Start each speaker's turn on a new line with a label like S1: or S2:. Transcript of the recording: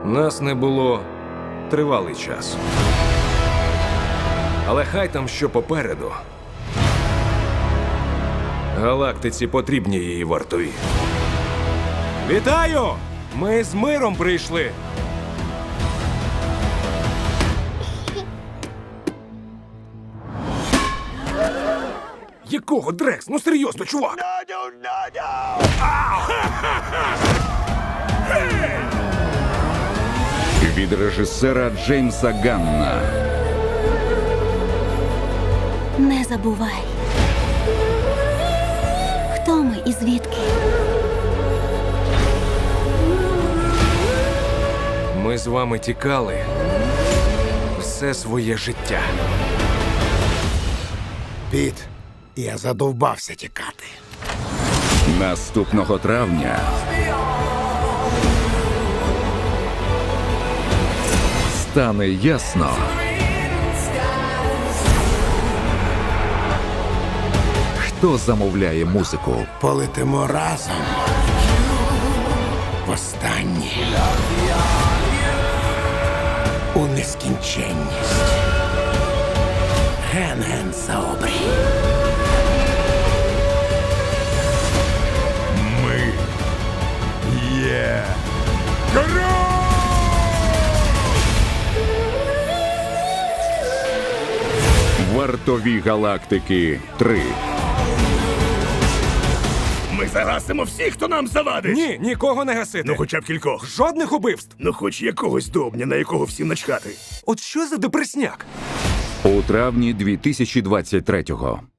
S1: Нас не було тривалий час. Але хай там що попереду. Галактиці потрібні її вартові. Вітаю! Ми з миром прийшли. Якого, Дрекс? Ну серйозно, чувак!
S2: Від режисера Джеймса Ганна.
S3: Не забувай. Хто ми і звідки?
S1: Ми з вами тікали все своє життя.
S4: Піт, я задовбався тікати.
S2: Наступного травня стане ясно, хто замовляє музику.
S4: Полетимо разом. Востаннє. У нескінченність. Ген-ген заобрій. Ми є король!
S2: Вартові галактики 3.
S5: Ми загасимо всіх, хто нам завадить.
S1: Ні, нікого не гасити.
S5: Ну хоча б кількох.
S1: Жодних убивств.
S5: Ну хоч якогось добня, на якого всім начхати.
S1: От що за депресняк?
S2: У травні 2023-го.